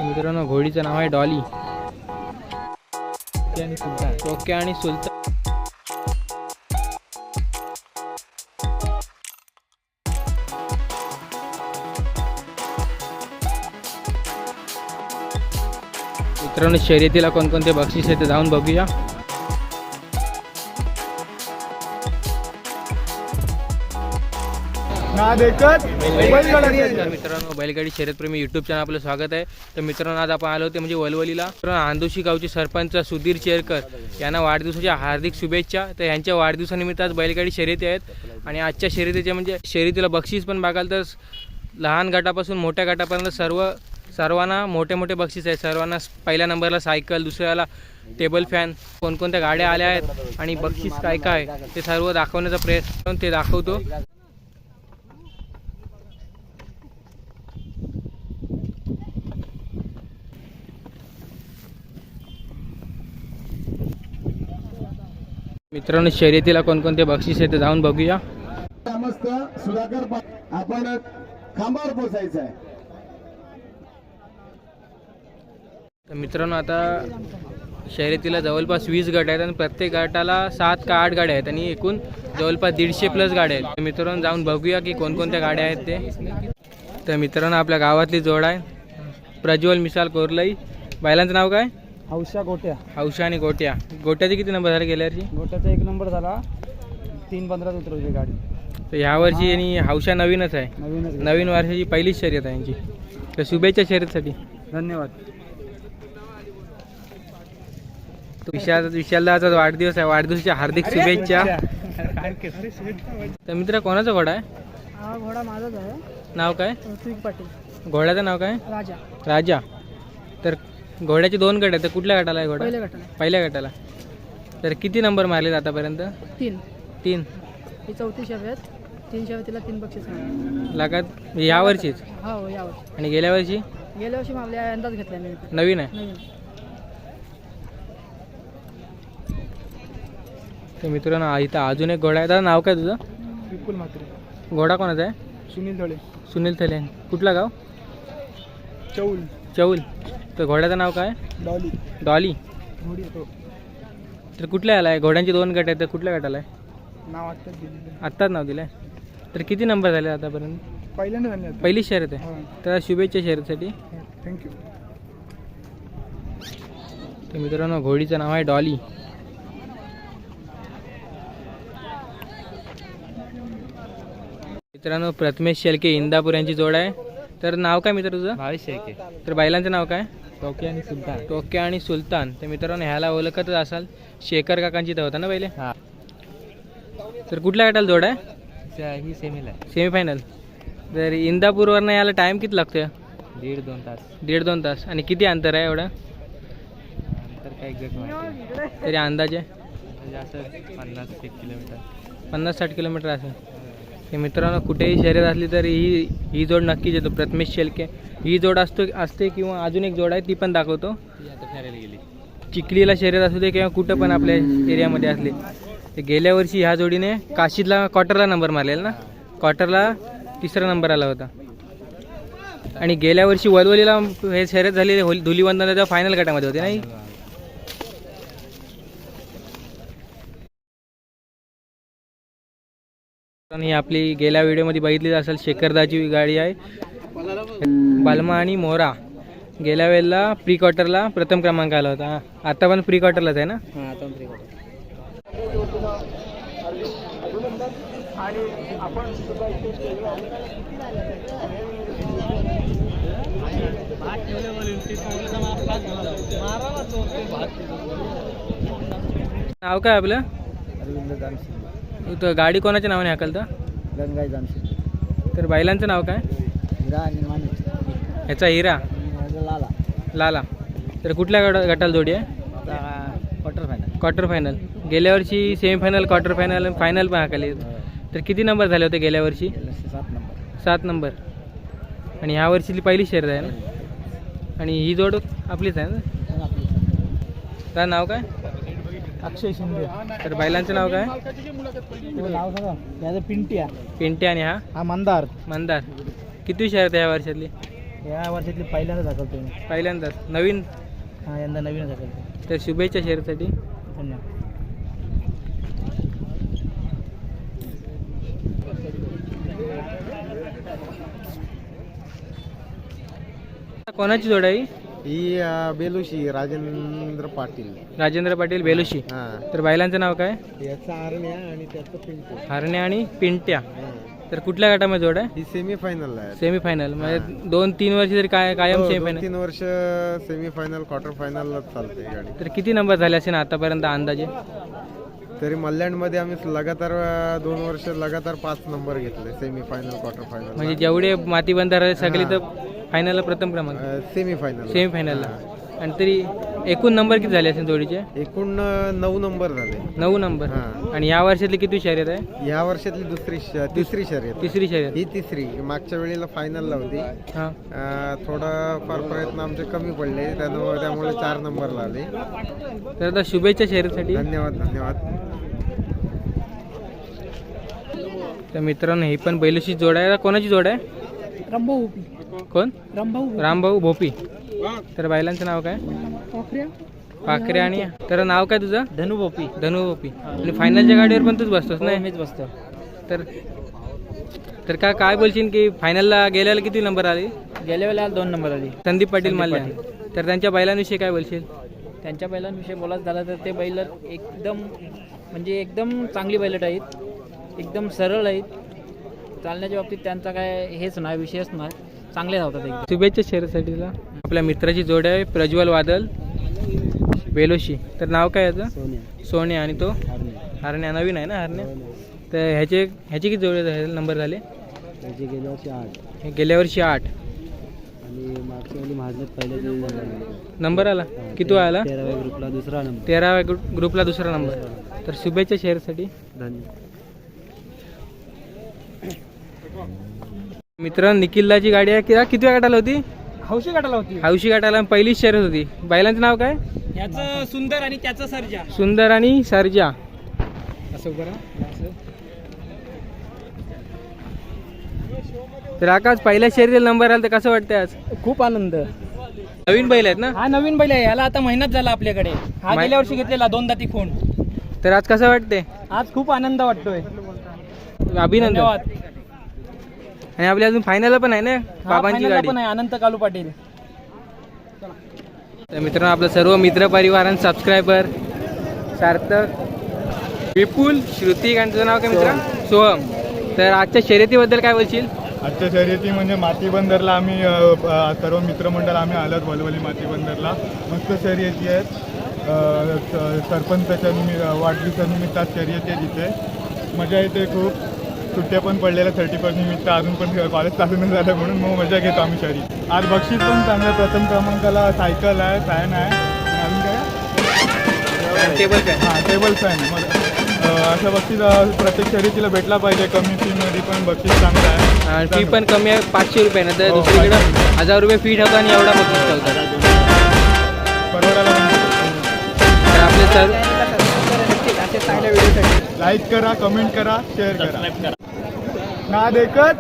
मित्रांनो घोडीचं नाव आहे Dolly. Okay आणि सुलतान. मित्रांनो शर्यतीला कोणकोणते बक्षीस आहेत ते जाऊन बघूया. मित्रांनो बैलगाडी शर्यतप्रेमी यूट्यूब चॅनल आपलं स्वागत आहे. तर मित्रांनो आज आपण आलो होते म्हणजे वलवलीला. आंदोशी गावचे सरपंच सुधीर चेरकर यांना वाढदिवसाच्या हार्दिक शुभेच्छा. तर यांच्या वाढदिवसानिमित्त आज बैलगाडी शर्यती आहेत आणि आजच्या शर्यतीच्या म्हणजे शर्यतीला बक्षीस पण बघाल तर लहान गटापासून मोठ्या गटापर्यंत सर्वांना मोठे मोठे बक्षीस आहेत. सर्वांना पहिल्या नंबरला सायकल, दुसऱ्याला टेबल फॅन, कोणकोणत्या गाड्या आल्या आहेत आणि बक्षीस काय काय ते सर्व दाखवण्याचा प्रयत्न ते दाखवतो. मित्रांनो शर्यतीला कोणकोणते बक्षीस आहेत ते जाऊन बघूया. मस्त सुधाकर आपण खांबावर पोचायचं आहे. तर मित्रांनो आता शर्यतीला जवळपास 20 गट आहेत आणि प्रत्येक गटाला 7 का 8 गाड्या आहेत आणि एकूण जवळपास 150+ गाड्या आहेत. मित्रांनो जाऊन बघूया की कोणकोणत्या गाड्या आहेत ते. तर मित्रांनो आपल्या गावातली जोड आहे प्रज्वल मिसाल कोरलई. बैलांचं नाव काय? हौशा गोट्या. हौशा आणि गोट्या. गोट्याचे किती नंबर झाले गेल्या वर्षी? गोट्याचा 1 नंबर झाला. 3-15 उतरवली गाडी. तर यावर्षी आणि हौशा नवीनच आहे. नवीन वर्षाची पहिलीच शर्यत आहे यांची. तर शुभेच्छा शर्यतीसाठी. धन्यवाद. विशालदाचा वाढदिवस आहे. वाढदिवसाच्या हार्दिक शुभेच्छा. तर मित्र कोणाचा घोडा आहे? हा घोडा माझाच आहे. नाव काय? ऋत्विक पाटील. घोड्याचं नाव काय? राजा. राजा. तर घोड्याचे 2 गट आहेत. तर कुठल्या गटाला आहे घोडा? पहिल्या गटाला. पहिल्या गटाला. तर किती नंबर मारलेत आतापर्यंत? 3. 3. ही 4थी शर्यत. 3 शर्यतीला 3 बक्षीस मिळाले. लागत यावर्षीच? हो यावर्षी. आणि गेल्या वर्षी? गेल्या वर्षी आपल्या अंदाज घेतला मी. नवीन आहे. नवीन. तर मित्रांनो इथं अजून एक घोडा आहे. दादा नाव काय तुझं? विपुल म्हात्रे. घोडा कोणाचा आहे? सुनील धळे. सुनील थले. कुठला गाव? चौल. चौल. तर घोड्याचं नाव काय? डॉली. डॉली. घोडी येतो. तर कुठल्या आला आहे? घोड्यांचे 2 गट आहेत. तर कुठल्या गटाला आहे? नाव आत्ताच दिलेलं. आत्ताच नाव दिलं आहे. तर किती नंबर झाले आतापर्यंत? पहिल्यांदा झाले आता. पहिली शर्यत आहे. तर शुभेच्छा शर्यतीसाठी. थँक्यू. तर मित्रांनो घोडीचं नाव आहे डॉली. मित्रांनो प्रथमेश शेलके इंदापूर यांची जोड आहे. तर नाव काय मित्र तुझं? भावेश शेळके. तर बैलांचं नाव काय? टोके आणि सुलतान. टोके आणि सुलतान. तर मित्रांनो ह्याला ओळखतच असाल, शेखर काकांची तर होता ना पहिले. हां. तर कुठल्या गटाला जोड आहे? ही सेमीला आहे. सेमीफायनल. तर इंदापूरवरनं याला टाईम किती लागतोय? 1.5-2 तास. 1.5-2 तास. आणि किती अंतर आहे एवढं? तर काही एक्झॅक्ट माहिती तरी अंदाजे? म्हणजे असं 50-1 किलोमीटर. 50-60 किलोमीटर असेल. हे मित्रांनो कुठेही शर्यत असली तरी ही जोड नक्कीच येतो. प्रथमेश शेलके ही जोड असते किंवा अजून एक जोड आहे ती पण दाखवतो. ती आता फिरायला गेली. चिखलीला शर्यत असू दे किंवा कुठं पण आपल्या एरियामध्ये असले. ते गेल्या वर्षी ह्या जोडीने काशीदला क्वार्टरला नंबर मारलेला ना. क्वार्टरला 3रा नंबर आला होता. आणि गेल्या वर्षी वलवलीला हे शर्यत झालेली धुलीवंदनाच्या फायनल गटामध्ये होते नाही. ही आपली गेल्या व्हिडिओमध्ये बघितली असेल शेखरदाची गाडी आहे बालमा आणि मोरा. गेल्या वेळेला प्री क्वार्टरला प्रथम क्रमांक आला होता. आता पण प्री क्वार्टरलाच आहे ना. नाव काय आपलं? अरविंद जामशेद. तर गाडी कोणाच्या नावाने हाकलता? गंगाई जामशेद. तर बैलांचं नाव काय? हिरा आणि माणूस. ह्याचा हिरा. लाला. लाला. तर कुठल्या गटाला जोडी आहे? Quarter final. Quarter final. गेल्या वर्षी सेमीफायनल, क्वार्टर फायनल, फायनल पण हाकले. तर किती नंबर झाले होते गेल्या वर्षी? 7 नंबर. 7 नंबर. आणि ह्या वर्षीची पहिली शर्यत आहे ना. आणि ही जोड आपलीच आहे ना. त्याचं नाव काय? अक्षय शिंदे. तर बैलांचं नाव काय? नाव सांगा. याचं पिंट्या. पिंटे. आणि हा हा मंदार. मंदार. किती शर्यत आहे ह्या वर्षातली? या वर्षातली पहिल्यांदा दाखवतो मी. पहिल्यांदाच नवीन. हा यंदा नवीनच दाखवतो. तर शुभेच्छा शर्यतीसाठी. धन्यवाद. कोणाची जोड आहे? ही बेलुशी राजेंद्र पाटील. राजेंद्र पाटील बेलुशी. हा तर बैलांचं नाव काय? याचा आरण्या आणि त्याचं पिंटू. हरण्या आणि पिंट्या. तर कुठल्या गटामध्ये जोड आहे? ही सेमीफायनल आहे. सेमीफायनल म्हणजे 2-3 वर्ष तरी काय कायम सेमीफायनल. 3 वर्ष सेमीफायनल क्वार्टर फायनल चालते गाडी. तर किती नंबर झाले असेल आतापर्यंत अंदाजे? तरी मल्याणमध्ये आम्ही लगातार 2 वर्ष लगातार 5 नंबर घेतले सेमीफायनल क्वार्टर फायनल. म्हणजे जेवढे माती बंधार आहे सगळी तर फायनलला प्रथम क्रमांक. सेमीफायनल. सेमीफायनलला. आणि तरी एकूण नंबर किती झाले असेल जोडीचे? एकूण 9 नंबर झाले. 9 नंबर. हा. आणि या वर्षातली किती शर्यत आहे? या वर्षातली तिसरी शर्यत. तिसरी शर्यत. ही तिसरी. मागच्या वेळेला फायनलला होती. हां. थोडा फार प्रयत्न आमचे कमी पडले त्यामुळे 4 नंबर लागले. तर आता शुभेच्छा शर्यतीसाठी. धन्यवाद. तर मित्रांनो ही पण बैलशी जोड आहे. कोणाची जोड आहे? रामभाऊ भोपी. कोण? रामभाऊ रामभाऊ भोपी. तर बैलांचं नाव काय? पाखऱ्या. पाखरे. आणि तर नाव काय तुझं? धनु भोपी. धनु भोपी. आणि फायनलच्या गाडीवर पण तूच बसतोस ना? मीच बसतो. तर काय बोलशील की फायनलला गेल्याला किती नंबर आले? गेल्या वेळेला 2 नंबर आली. संदीप पाटील माल्या. तर त्यांच्या बैलांविषयी काय बोलशील? त्यांच्या बैलांविषयी बोलायचं झालं तर ते बैल एकदम चांगली बैलट आहेत. एकदम सरळ आहेत. चालण्याच्या बाबतीत त्यांचा काय हेच नाही, विषयच नाही. चांगले धावतात एकदम. शुभेच्छा शर्यतीसाठी तुला. आपल्या मित्राची जोड आहे प्रज्वल वादल बेलोशी. तर नाव काय याचं? सोन्या. आणि तो हरण्या. नवीन आहे ना हरण्या? तर ह्याचे किती जोड नंबर झाले? गेल्या वर्षी 8. गेल्या वर्षी 8. आणि मागच्या वेळी महाजनात पहिल्या नंबर आला. किती आला? 13व्या ग्रुपला दुसरा नंबर. 13व्या ग्रुपला दुसरा नंबर. तर शुभेच्छा शर्यतीसाठी. धन्यवाद. मित्रांनो निखिलची गाडी आहे. किती गटाला होती? हौशी गटाला होती. हौशी गटाला पहिलीच शर्यत होती. बैलांचं नाव काय? याचं सुंदर आणि त्याचं सर्जा. सुंदर आणि सर्जा. असं करा. तर आकाश पहिल्या शर्यतीला नंबर आला तर कसं वाटतंय आज? खूप आनंद. नवीन बैल आहेत ना? हा नवीन बैल आहे. याला आता महिनाच झाला आपल्याकडे. हा गेल्या वर्षी घेतलेला 2 दाती खोंड. तर आज कसं वाटतंय? आज खूप आनंद वाटतोय. अभिनंदन. धन्यवाद. आणि आपली अजून फायनल पण आहे ना बाबांची गाडी. पण आहे अनंत कालू पाटील. तर मित्रांनो आपलं सर्व मित्र परिवार आणि सबस्क्रायबर सार्थक, विपुल, श्रुतिक आणि तुझं नाव काय मित्र? सोहम. तर आजच्या शर्यतीबद्दल काय बोलशील? आजच्या शर्यती म्हणजे माती बंदरला आम्ही सर्व मित्रमंडळ आम्ही आलोत वलवली माती बंदरला. मस्त शर्यती आहेत. सरपंचाच्या वाढदिवसानिमित्त आज शर्यती आहे तिथे. मजा येते खूप. सुट्ट्या पण पडलेल्या 31 निमित्त. अजून पण कॉलेज चालू नाही झालं म्हणून मग मजा घेतो आम्ही शर्यती. आज बक्षीस पण चांगलं. प्रथम क्रमांकाला सायकल आहे, फॅन आहे. अजून काय? Table fan. हां टेबल फॅन. मग असं बक्षीस प्रत्येक शर्यतीला भेटला पाहिजे. कमी फीमध्ये पण बक्षीस चांगलं आहे. फी पण कमी आहे 500 रुपये ना. तर दुसरीकडे 1000 रुपये फी ठेवतात आणि एवढा बक्षीस ठेवतात. परवडायला तर आपले सर लाईक करा, कमेंट करा, शेअर करा. ना देखत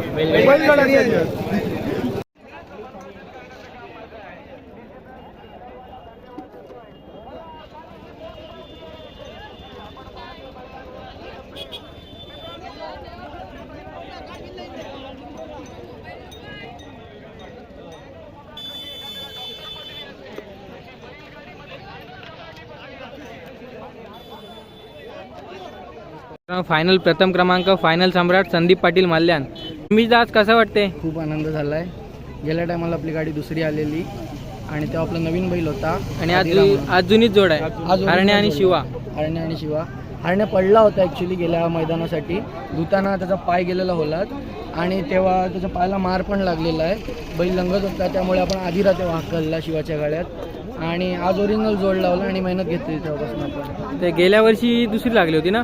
फायनल प्रथम क्रमांक फायनल सम्राट संदीप पाटील माल्यान. तुम्ही आज कसं वाटते? खूप आनंद झालाय. गेल्या टायमाला आपली गाडी दुसरी आलेली आणि तेव्हा आपला नवीन बैल होता. आणि आज जुनीच जोड आहे हरण्या आणि शिवा. हरण्या पडला होता ॲक्च्युली गेल्या मैदानासाठी. धुताना त्याचा पाय गेलेला होलात आणि तेव्हा त्याच्या पायाला मार पण लागलेला आहे. बैल लंगत होता त्यामुळे आपण आधी तेव्हा हाकलला शिवाच्या गाड्यात आणि आज ओरिजिनल जोड लावला आणि मेहनत घेतली तेव्हापासून आपण. ते गेल्या वर्षी दुसरी लागली होती ना?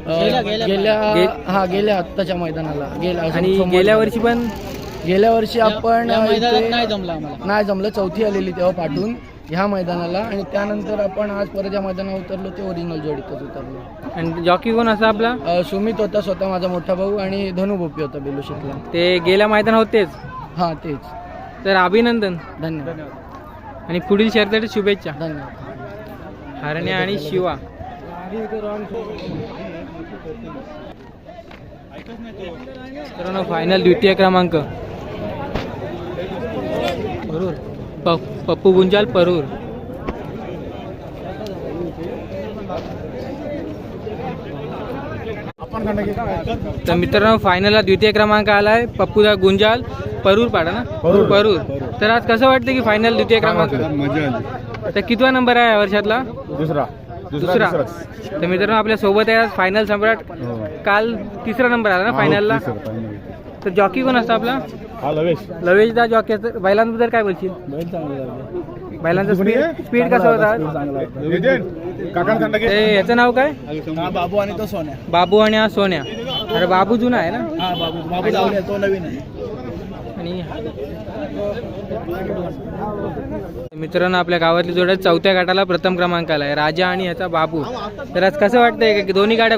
गेल्या आत्ताच्या मैदानाला आणि गेल्या वर्षी पण गेल्या वर्षी आपण नाही जमलं. चौथी आलेली तेव्हा पाठवून ह्या मैदानाला आणि त्यानंतर आपण आज परत या मैदानावर उतरलो ते ओरिजिनल जोडीतच उतरलो. आणि जॉकी कोण असा आपला? सुमित होता स्वतः माझा मोठा भाऊ आणि धनु भोपी होता बेलुशीतला. ते गेल्या मैदान होतेच. हां तेच. तर अभिनंदन धन्यवाद आणि पुढील शर्यतीसाठी शुभेच्छा. धन्यवाद. हरण्या आणि शिवा. मित्रांनो फायनल द्वितीय क्रमांक पप्पू गुंजाल परूर. तर मित्रांनो फायनलला द्वितीय क्रमांक आलाय पप्पूदा गुंजाल परूर पाडा ना परूर. तर आज कसं वाटतं की फायनल द्वितीय क्रमांक मजा आली. तर कितवा नंबर आहे या वर्षातला? दुसरा तर मित्रांनो आपल्या सोबत आहे आज फायनल सम्राट. काल तिसरा नंबर आला ना फायनलला. तर जॉकी कोण असतो आपला? हा लवेश. लवेश दा जॉकी. बैलांबद्दल काय बोलशील? बैलांचा स्पीड कसा होता? याचं नाव काय? बाबू आणि तो सोन्या. बाबू आणि हा सोन्या. अरे बाबू जुना आहे ना. हा बाबू जाऊया, तो नवीन आहे. आणि मित्रांनो आपल्या गावातली जोड्या चौथ्या गटाला प्रथम क्रमांक आलाय राजा आणि ह्याचा बाबू. तर आज कसं वाटतंय की दोन्ही गाड्या?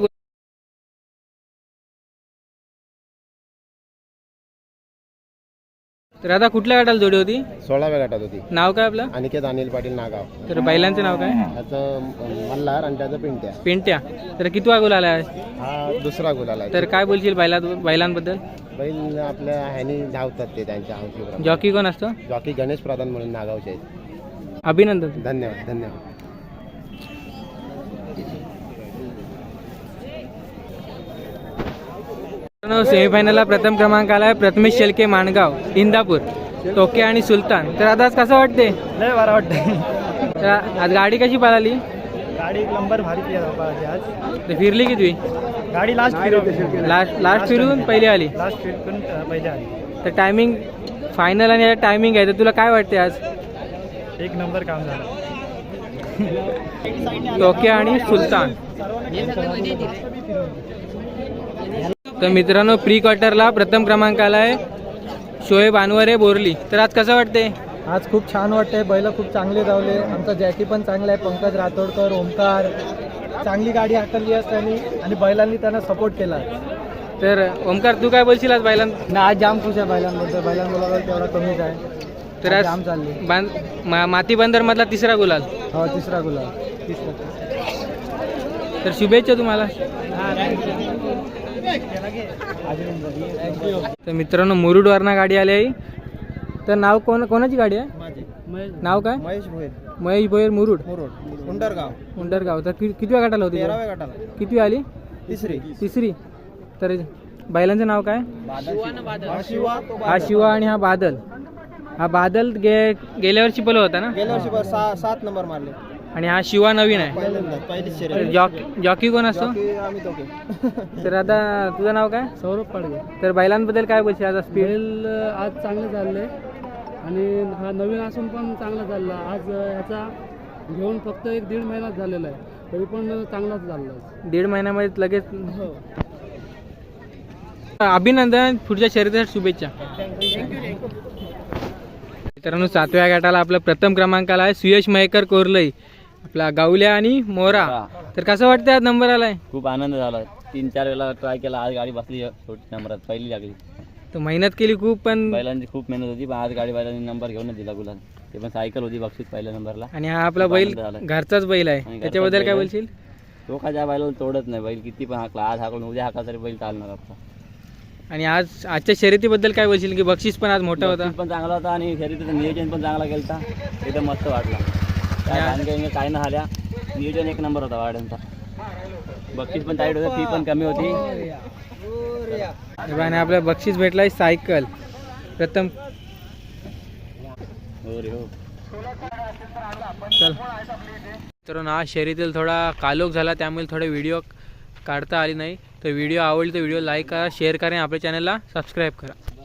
तर आता कुठल्या गटाला जोडी होती? 16व्या गटात होती. नाव काय आपलं? अनिकेत अनिल पाटील नागाव. तर बैलांचं नाव काय? त्याचं मल्हार आणि त्याचं पिंट्या. पेंट्या. तर कितवा गोल आलाय? हा दुसरा गुलाल आहे. तर काय बोलशील बैलांबद्दल? बैल आपल्या ह्यानी धावतात ते त्यांच्या हौशीप्रमाणे. जॉकी कोण असतो? जॉकी गणेश प्रधान म्हणून नागावचे आहेत. अभिनंदन. धन्यवाद धन्यवाद. सेमीफायनलला प्रथम क्रमांक आलाय प्रथमेश शेलके माणगाव इंदापूर. टोके आणि सुलतान. तर आता आज कसं वाटते? लय बरं वाटतं. तर आज गाडी कशी पळाली? गाडी एक नंबर भारी केला आज. तर फिरली किती? गाडी लास्ट फिरून पहिली आली. लास्ट फिरून पहिले आली. तर टायमिंग फायनल आणि टायमिंग आहे. तर तुला काय वाटते आज? एक नंबर काम झालं. टोके आणि सुलतान. तर मित्रांनो प्री क्वार्टरला प्रथम क्रमांक आलाय शोएब अनवरे बोरली. तर आज कसं वाटते? आज खूप छान वाटतंय. बैल खूप चांगले धावले. आमचा जॅकी पण चांगला आहे. पंकज रातोडकर, ओमकार चांगली गाडी हाकलली आहे त्यांनी आणि बैलांनी त्यांना सपोर्ट केला. तर ओमकार तू काय बोलशील आज बैलांना? आज जाम खुश आहे बैलांबद्दल. बैलांबरोबर तेवढा कमीच आहे. तर आज जाम चालली. माती बंदर मधला तिसरा गुलाल. हो तिसरा गुलाल. तर शुभेच्छा तुम्हाला. तर मित्रांनो मुरुडवरना गाडी आली आहे. तर नाव कोणाची गाडी आहे? नाव काय? महेश भोयर मुरुड उंडरगाव. तर कितव्या गटाला होती? 13व्या गटाला. कितवी आली? तिसरी. तर बैलांचं नाव काय? हा शिवा आणि हा बादल. हा बादल गेल्या वर्षी पलो होता ना. गेल्या वर्षी 7 नंबर मारले. आणि हा शिवा नवीन आहे. तर जॉकी कोण असतो? तर आता तुझं नाव काय? सौरभ पाडगे. तर बैलांबद्दल काय बोलशील? आज स्पीड आज चांगलं चाललंय आणि हा नवीन असून पण चांगला चालला. आज ह्याचा घेऊन फक्त 1-1.5 महिना झालेला आहे तरी पण चांगलाच चालला. 1.5 महिन्यामध्ये लगेच. अभिनंदन. पुढच्या शर्यतीसाठी शुभेच्छा. मित्रांनो 7व्या गटाला आपला प्रथम क्रमांक आला आहे सुयश मयेकर कोरलई आपला गावल्या आणि मोरा. तर कसं वाटतं आज नंबर आलाय? खूप आनंद झाला. 3-4 वेळा ट्राय केला. आज गाडी बसली छोटी नंबरात पहिली लागली. तर मेहनत केली खूप पण बैलांची खूप मेहनत होती पण आज गाडी बैलांनी नंबर घेऊनच दिला गुलाल. ते पण सायकल होती बक्षीस पहिल्या नंबरला. आणि हा आपला बैल घरचाच बैल आहे. त्याच्याबद्दल काय बोलशील? तो का ज्या बैलाला तोडत नाही. बैल किती पण हाकला आज हाकून उद्या हाकला तरी बैल चालणार आपला. आणि आजच्या शर्यतीबद्दल काय बोलशील की बक्षीस पण आज मोठा होता? बक्षीस पण चांगला होता आणि शर्यतीचं नियोजन पण चांगला केलं. एकदम मस्त वाटला. काय ना झाल्या नियोजन एक नंबर होता वाड्यांचा. बक्षीस पण टाईट होतं. फी पण कमी होती. आणि आपल्याला बक्षीस भेटलाय सायकल प्रथम. हो रे हो. चल तर ना शर्यतीला थोडा कालोख झाला त्यामुळे थोडे व्हिडिओ काढता आली नाही. तर व्हिडिओ आवडली तर व्हिडिओ लाईक करा, शेअर करा आणि आपल्या चॅनलला सबस्क्राईब करा.